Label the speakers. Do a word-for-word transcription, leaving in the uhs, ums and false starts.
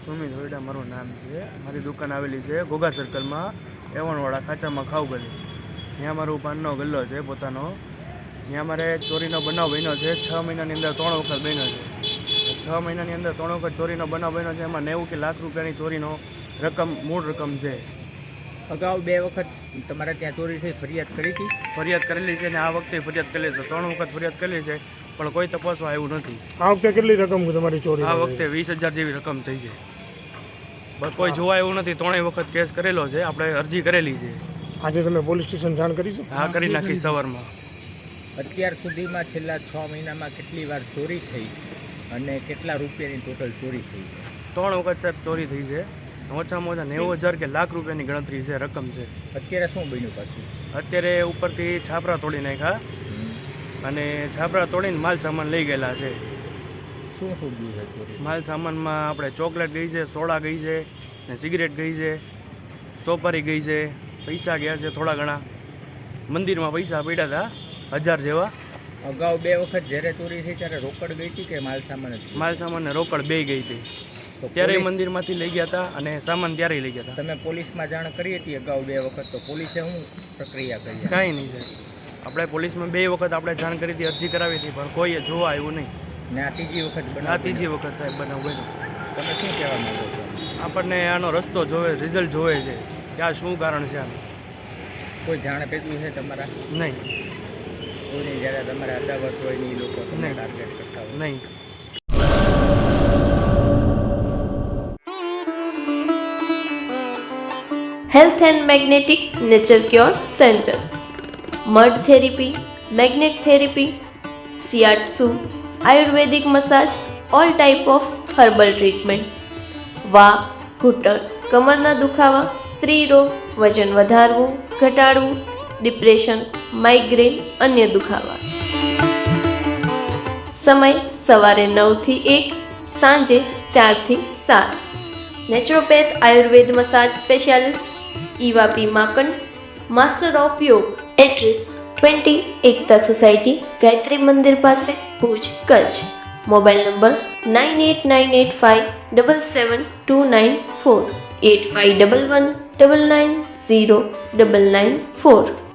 Speaker 1: સુમિત હોયડા મારું નામ છે. મારી દુકાન આવેલી છે ઘોઘા સર્કલમાં, એવણવાળા ખાચામાં ખાવ ગલી. ત્યાં મારું પાનનો ગલ્લો છે પોતાનો. ત્યાં મારે ચોરીનો બનાવ બન્યો છે. છ મહિનાની અંદર ત્રણ વખત બન્યો છે. છ મહિનાની અંદર ત્રણ વખત ચોરીનો બનાવ બન્યો છે. એમાં નેવું કે લાખ રૂપિયાની ચોરીનો રકમ મૂળ રકમ છે.
Speaker 2: અગાઉ બે વખત તમારે ત્યાં ચોરી થઈ, ફરિયાદ કરી હતી?
Speaker 1: ફરિયાદ કરેલી છે ને આ વખતે ફરિયાદ કરેલી છે. ત્રણ વખત ફરિયાદ કરેલી છે પણ કોઈ તપાસવા આવ્યું નથી.
Speaker 3: આ વખતે કેટલી રકમ તમારી ચોરી?
Speaker 1: આ વખતે વીસ હજાર જેવી રકમ થઈ છે. બસ કોઈ જોવા એવું નથી. ત્રણેય વખત કેસ કરેલો છે, આપણે અરજી કરેલી છે.
Speaker 3: આજે તમે પોલીસ સ્ટેશન જાણ કરી છે?
Speaker 1: હા, કરી નાખી સવારમાં.
Speaker 2: અત્યાર સુધીમાં છેલ્લા છ મહિનામાં કેટલી વાર ચોરી થઈ અને કેટલા રૂપિયાની ટોટલ ચોરી થઈ?
Speaker 1: ત્રણ વખત સાહેબ ચોરી થઈ છે. ઓછામાં ઓછા નેવું હજાર કે લાખ રૂપિયાની ગણતરી છે, રકમ છે.
Speaker 2: અત્યારે શું બન્યું પાછું?
Speaker 1: અત્યારે ઉપરથી છાપરા તોડી નાખ્યા અને છાપરા તોડીને માલ સામાન લઈ ગયેલા છે.
Speaker 2: શું શું ગયું છે ચોરી?
Speaker 1: માલ સામાનમાં આપણે ચોકલેટ ગઈ છે, સોડા ગઈ છે, ને સિગરેટ ગઈ છે, સોપારી ગઈ છે, પૈસા ગયા છે થોડા ઘણા. મંદિરમાં પૈસા પડ્યા હતા હજાર જેવા.
Speaker 2: અગાઉ બે વખત જ્યારે ચોરી થઈ ત્યારે રોકડ ગઈ હતી કે માલ સામાન જ?
Speaker 1: માલ સામાન ને રોકડ બે ગઈ હતી.
Speaker 2: તો
Speaker 1: ત્યારે
Speaker 2: પોલીસ-
Speaker 1: મંદિરમાંથી લઈ ગયા હતા અને સામાન ત્યારે લઈ ગયા હતા.
Speaker 2: તમે પોલીસમાં જાણ કરી હતી અગાઉ બે વખત, તો પોલીસે શું પ્રક્રિયા કરી?
Speaker 1: કાંઈ નહીં સાહેબ. આપણે પોલીસમાં બે વખત આપણે જાણ કરી હતી, અરજી કરાવી હતી, પણ કોઈએ જોવા આવ્યું નહીં.
Speaker 2: ને આ ત્રીજી વખત
Speaker 1: આ
Speaker 2: બનાવ
Speaker 1: ત્રીજી વખત સાહેબ બનાવ બન્યો.
Speaker 2: તમે શું કહેવા માંગો છો?
Speaker 1: આપણને આનો રસ્તો જોવે, રિઝલ્ટ જોવે છે કે આ શું કારણ છે આનું.
Speaker 2: કોઈ જાણ પેલું છે તમારા
Speaker 1: નહીં
Speaker 2: કોઈની જ્યારે તમારે અદાવત હોય ને એ લોકો તમને
Speaker 1: નહીં.
Speaker 2: ટાર્ગેટ કરતા હોય?
Speaker 1: નહીં.
Speaker 4: Health and Magnetic Nature Cure Center. Mud therapy, magnet therapy, shiatsu, Ayurvedic massage, all type of herbal treatment. વા ઘૂંટણ, કમરના દુખાવા, સ્ત્રી રોગ, વજન વધારવું, ઘટાડવું, ડિપ્રેશન, માઇગ્રેન, અન્ય દુખાવા. સમય સવારે નવથી એક, સાંજે ચારથી સાત. નેચરોપેથ આયુર્વેદ મસાજ સ્પેશિયાલિસ્ટ ઈવાપી માકન, master of yoga. Address twenty Ekta society, Gayatri મંદિર પાસે, Bhuj, Kutch. Mobile number nine eight nine eight five double seven two nine four, eight five double one double nine zero double nine four.